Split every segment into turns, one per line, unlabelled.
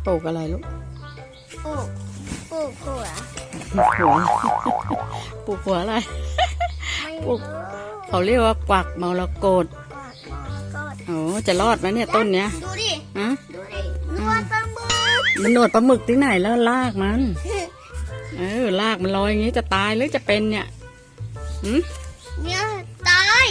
ปลูกอะไรลูก
ปลูกหัว
ปลูกหัวปลูกหัวอะไรปลูกเขาเรียกว่ากวักมรกตโอ้จะรอดไหมเนี่ยต้นเนี้ย
ดูดิ
ฮะ
ดูดินวดปลาหมึก
มันหนวดปลาหมึกที่ไหนแล้วลากมันลากมันลอยอย่างนี้จะตายหรือจะเป็นเนี่ย
เนี่ยตาย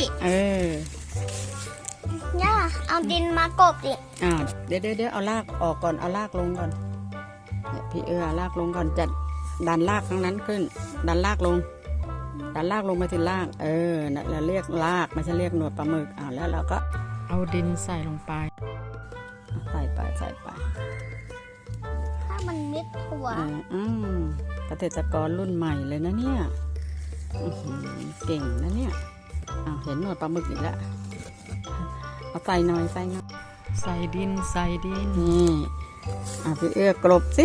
เนี่ยเอาดินมากบดิ
เดี๋ยวเอารากออกก่อนเอารากลงก่อนพี่รากลงก่อนจัดดันรากทั้งนั้นขึ้นดันรากลงไปถึงรากนั่นเราเรียกรากไม่ใช่เรียกหนวดปลาหมึกแล้วเราก็เอาดินใส่ลงไปใส่ไป
ถ้ามันมิดหัว
เกษตรกรรุ่นใหม่เลยนะเนี่ยเก่งนะเนี่ยเห็นหนวดปลาหมึกอีกแล้วเอาใส่หน่อยใส่ดินนี่พี่กลบสิ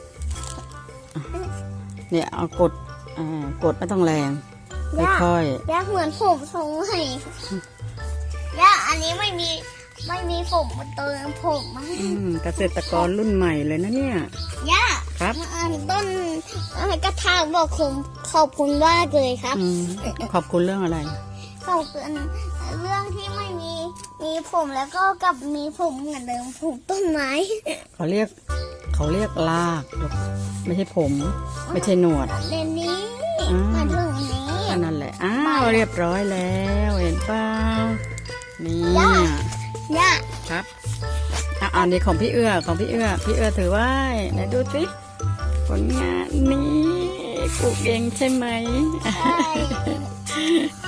เนี่ยเอากดไม่ต้องแรงค่อย
ย่าเหมือนผมทรงใหม่ย่าอันนี้ไม่มีผมมาเติมผมมา
เกษตรกรรุ่นใหม่เลยนะเนี่ย
ย่า
ครับ
ต้นกระถางบอกขอบคุณมากเลยครับ
ขอบคุณเรื่องอะไร
ขอบคุณเรื่องที่ไม่มีผมแล้วก็กับมีผมเหมือนเดิมผมต้นไม้
เขาเรียกรากไม่ใช่ผมไม่ใช่หนวด
เรนนี้มาถึงนี้
นั่นแหละเรียบร้อยแล้วเห็นเปล่านี่
ย่า
ครับอันนี้ของพี่ถือไว้ไหนดูสิผลงานนี้ปลูกเองใช่ไหม
ใช่